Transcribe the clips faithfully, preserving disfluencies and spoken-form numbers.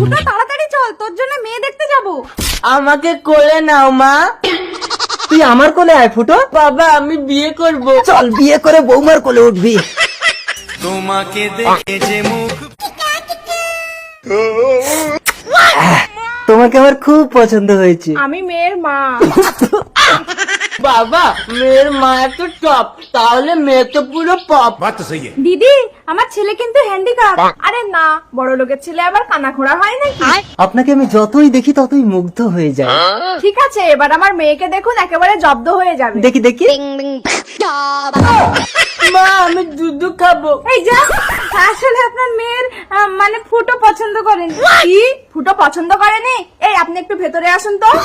ফুটো তাড়াতাড়ি চল, তোর জন্য মেয়ে দেখতে যাব। আমাকে কোলে নাও মা। তুই আমার কোলে আয় ফুটো। বাবা আমি বিয়ে করব। চল বিয়ে করে বৌমার কোলে উঠবি। তোমাকে দেখে যে মুখ তোমাকে আমার খুব পছন্দ হয়েছে। আমি মেয়ের মা। বাবা মেয়ের মা তো টপ, তাহলে মেয়ে তো পুরো পপ। बात तो सही है। দিদি আমার ছেলে কিন্তু হ্যান্ডিক্যাপ। আরে না, বড় লোকের ছেলে আবার কানাখোড়া হয় নাকি? আপনাকে আমি যতই দেখি ততই মুগ্ধ হয়ে যাই। ঠিক আছে, এবার আমার মেয়েকে দেখুন, একেবারে জব্দ হয়ে যাবে। দেখি দেখি। মা আমি দুধ খাবো। এই যা, আসলে আপনার মেয়ের আহ, মানে ফুটো পছন্দ করেন। কি ফুটো পছন্দ করেনি? এই আপনি একটু ভেতরে আসুন তো।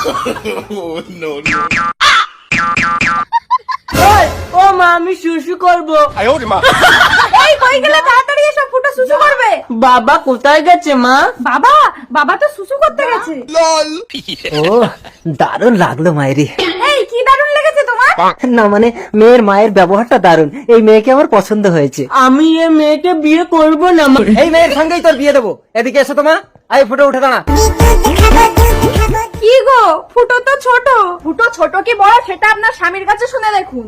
ওই, ও মা আমি শুশু করব। এই কই গেলে, তাড়াতাড়ি এসব, ফুটো সুসু করবে। বাবা কোথায় গেছে মা? বাবা বাবা তো সুসু করতে গেছে। ও দারুণ লাগলো মায়েরি। এই কি দারুণ লেগেছে তোমার? না মানে মেয়ের মায়ের ব্যবহারটা দারুণ। এই মেয়েকে আমার পছন্দ হয়েছে। আমি এ মেয়েকে বিয়ে করব না মা। এই মেয়ের সঙ্গেই তোর বিয়ে দেবো। এদিকে এসো তোমা। আয় ফুটো উঠে দাঁড়া। কি গো, ফুটো তো ছোট। ফুটো ছোট কি বড় সেটা আপনার স্বামীর কাছে শুনে দেখুন।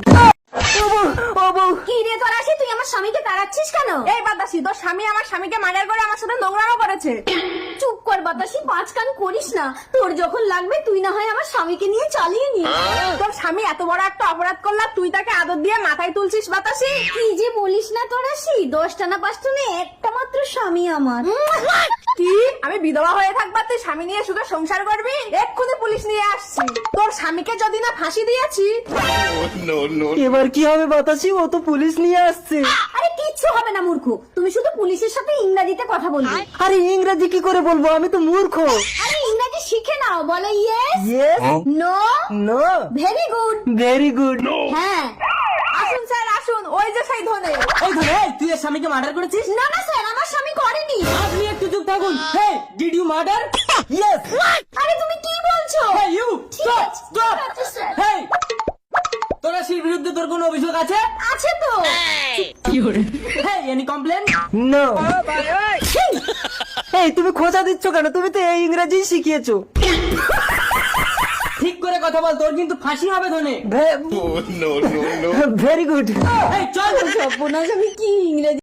কি রে তোর আসি, তুই আমার স্বামীকে তাড়াচ্ছিস কেন? এই বাতাসি, তোর স্বামী আমার স্বামীকে মার্ডার করে আমার সাথে নোংরামো করেছে। চুপ কর বাতাসি, পাঁচ কান করিস না। তোর যখন লাগবে তুই না হয় আমার স্বামীকে নিয়ে চালিয়ে নি। তোর স্বামী এত বড় একটা অপরাধ করলা, তুই তাকে আদর দিয়ে মাথায় তুলছিস বাতাসি। কি যে বলিস না তোর আসি, দশটা না পাঁচটা না একটা মাত্র স্বামী আমার। কি আমি বিধবা হয়ে থাকবা, তুই স্বামী নিয়ে সুখে সংসার করবি? এক্ষুনি পুলিশ নিয়ে আসছি। তোর স্বামীকে যদি না ফাঁসি দিয়েছি। এবার কি হবে বাতাসি? ও তো পুলিশ নিয়ে আসছে। আরে কিচ্ছু হবে না মূর্খ, তুমি শুধু পুলিশের সাথে ইংরেজিতে কথা বলবে। আরে ইংরেজি কি করে বলবো? আমি তো মূর্খ। আরে ইংরেজি শিখে নাও, বলো yes, yes, no, no, very good. Very good. হ্যাঁ আসুন স্যার আসুন, ওই যে সেই ধনে। এই ধরে এই, তুই এর স্বামীকে মার্ডার করেছিস? না না স্যার, আমার স্বামী করেনি। আপনি একটু চুপ থাকুন। Hey did you murder? Yes. আরে তুমি কি বলছো? হেই ইউ ঠিক স্টপ আছে, স্টপ। ঠিক আছে, স্যার। হেই তোর আসির বিরুদ্ধে তোর কোনো অভিযোগ আছে? আছে তো। Hey any complain? নো। এই তুমি খোঁজা দিচ্ছ কেন? তুমি তো এই ইংরেজি শিখিয়েছো। ঠিক করে কথা বল, তোর কিন্তু ফাঁসি হবে ধনে। Very good. এই চল। সর্বনাশ, আমি কি ইংরেজি